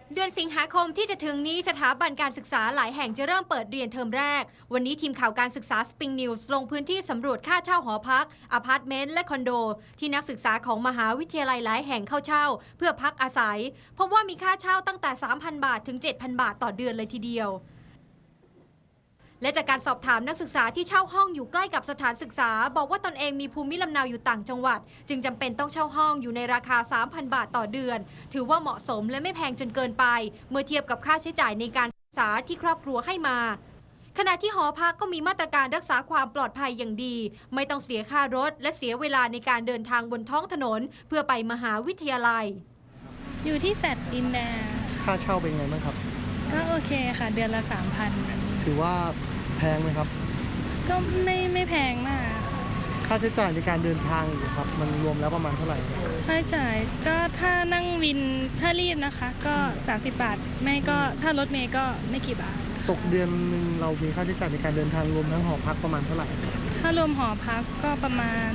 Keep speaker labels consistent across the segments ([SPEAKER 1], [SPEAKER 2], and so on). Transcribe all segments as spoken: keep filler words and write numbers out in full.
[SPEAKER 1] เดือนสิงหาคมที่จะถึงนี้สถาบันการศึกษาหลายแห่งจะเริ่มเปิดเรียนเทอมแรกวันนี้ทีมข่าวการศึกษา Spring News ลงพื้นที่สำรวจค่าเช่าหอพักอพาร์ตเมนต์และคอนโดที่นักศึกษาของมหาวิทยาลัยหลายแห่งเข้าเช่าเพื่อพักอาศัยพบว่ามีค่าเช่าตั้งแต่ สามพัน บาทถึง เจ็ดพัน บาทต่อเดือนเลยทีเดียวและจากการสอบถามนักศึกษาที่เช่าห้องอยู่ใกล้กับสถานศึกษาบอกว่าตนเองมีภูมิลำเนาอยู่ต่างจังหวัดจึงจำเป็นต้องเช่าห้องอยู่ในราคา สามพัน บาทต่อเดือนถือว่าเหมาะสมและไม่แพงจนเกินไปเมื่อเทียบกับค่าใช้จ่ายในการศึกษาที่ครอบครัวให้มาขณะที่หอพักก็มีมาตรการรักษาความปลอดภัยอย่างดีไม่ต้องเสียค่ารถและเสียเวลาในการเดินทางบนท้องถนนเพื่อไปมหาวิทยาลัย
[SPEAKER 2] อยู่ที่แฟลตดินแดง
[SPEAKER 3] ค่าเช่าเป็นไงบ้างครับ
[SPEAKER 2] ก็โอเคค่ะเดือนละ สามพัน
[SPEAKER 3] ถือว่าแพงไหมครับ
[SPEAKER 2] ก็ไม่ไม่แพงมาก
[SPEAKER 3] ค่าใช้จ่ายในการเดินทางครับมันรวมแล้วประมาณเท่าไหร่
[SPEAKER 2] ค่าใช้จ่ายก็ถ้านั่งวินถ้ารีบนะคะก็สามสิบบาทไม่ก็ถ้ารถเมล์ก็ไม่กี่บาท
[SPEAKER 3] ตกเดือนหนึ่งเรามีค่าใช้จ่ายในการเดินทางรวมทั้งหอพักประมาณเท่าไหร่
[SPEAKER 2] ถ้ารวมหอพักก็ประมาณ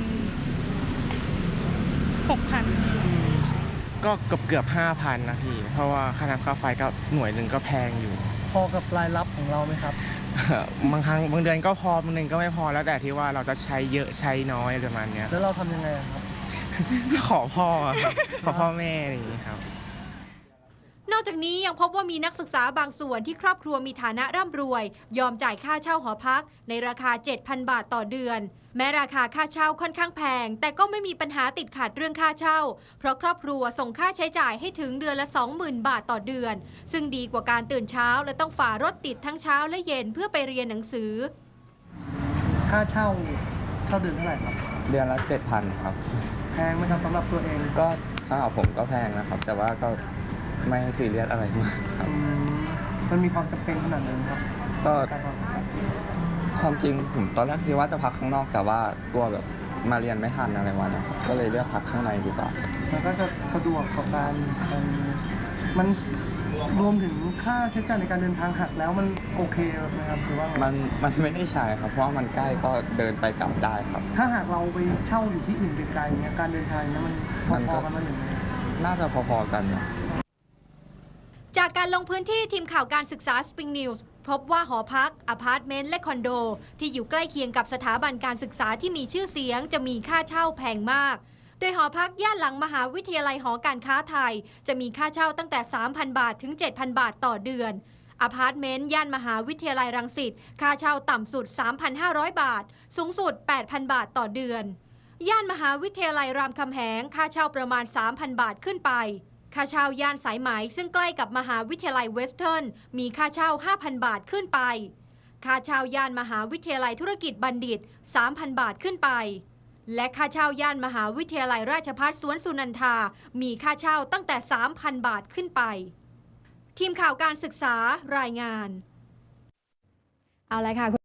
[SPEAKER 2] หกพัน
[SPEAKER 4] ก็เกือบเกือบห้าพันนะพี่เพราะว่าค่าน้ำค่าไฟก็หน่วยหนึ่งก็แพงอยู่
[SPEAKER 3] พอกับรายรับของเราไหมครับ
[SPEAKER 4] บางครั้งบางเดือนก็พอบางเดือนก็ไม่พอแล้วแต่ที่ว่าเราจะใช้เยอะใช้น้อยประมาณนี้
[SPEAKER 3] แล้วเราทำยังไงครับ
[SPEAKER 4] ขอพ่อขอพ่อแม่อะไรอย่างนี้ครับ
[SPEAKER 1] นอกจากนี้ยังพบว่ามีนักศึกษาบางส่วนที่ครอบครัวมีฐานะร่ำรวยยอมจ่ายค่าเช่าหอพักในราคา เจ็ดพัน บาทต่อเดือนแม้ราคาค่าเช่าค่อนข้างแพงแต่ก็ไม่มีปัญหาติดขัดเรื่องค่าเช่าเพราะครอบครัวส่งค่าใช้จ่ายให้ถึงเดือนละ สองหมื่น บาทต่อเดือนซึ่งดีกว่าการตื่นเช้าและต้องฝ่ารถติดทั้งเช้าและเย็นเพื่อไปเรียนหนังสือ
[SPEAKER 3] ค่าเช่าเช่าเดือนเท่าไหร่ครับ
[SPEAKER 5] เดือนละ เจ็ดพัน ครับ
[SPEAKER 3] แพงไหมครับสำหรับตัวเอง
[SPEAKER 5] ก็สำหรับผมก็แพงนะครับแต่ว่าก็ไม่ซีเรียสอะไรมากครับ
[SPEAKER 3] มันมีความจำเป็นขนาดนั้นครับ
[SPEAKER 5] ก็ความจริงผมตอนแรกคิดว่าจะพักข้างนอกแต่ว่ากลัวแบบมาเรียนไม่ทันอะไรวันนะครับก็เลยเลือกพักข้างในดีกว่า
[SPEAKER 3] มันก็จะสะดวกกับการมันรวมถึงค่าใช้จ่ายในการเดินทางหักแล้วมันโอเคไหมครับหรือว่า
[SPEAKER 5] มันมันไม่ได้ใช่ครับเพราะมันใกล้ก็เดินไปกลับได้ครับ
[SPEAKER 3] ถ้าหากเราไปเช่าอยู่ที่อื่นไกลๆเนี่ยการเดินทางเนี่ยมันพอๆกันไหมอย่างไร
[SPEAKER 5] น่าจะพอๆกันนะ
[SPEAKER 1] จากการลงพื้นที่ทีมข่าวการศึกษา Spring News พบว่าหอพักอพาร์ตเมนต์และคอนโดที่อยู่ใกล้เคียงกับสถาบันการศึกษาที่มีชื่อเสียงจะมีค่าเช่าแพงมากโดยหอพักย่านหลังมหาวิทยาลัยหอการค้าไทยจะมีค่าเช่าตั้งแต่ สามพัน บาทถึง เจ็ดพัน บาทต่อเดือนอพาร์ตเมนต์ย่านมหาวิทยาลัยรังสิตค่าเช่าต่ำสุด สามพันห้าร้อย บาทสูงสุด แปดพัน บาทต่อเดือนย่านมหาวิทยาลัยรามคำแหงค่าเช่าประมาณ สามพัน บาทขึ้นไปค่าเช่าย่านสายไหมซึ่งใกล้กับมหาวิทยาลัยเวสเทิร์นมีค่าเช่า ห้าพัน บาทขึ้นไปค่าเช่าย่านมหาวิทยาลัยธุรกิจบัณฑิต สามพัน บาทขึ้นไปและค่าเช่าย่านมหาวิทยาลัยราชภัฏสวนสุนันทามีค่าเช่าตั้งแต่ สามพัน บาทขึ้นไปทีมข่าวการศึกษารายงานเอาละค่ะ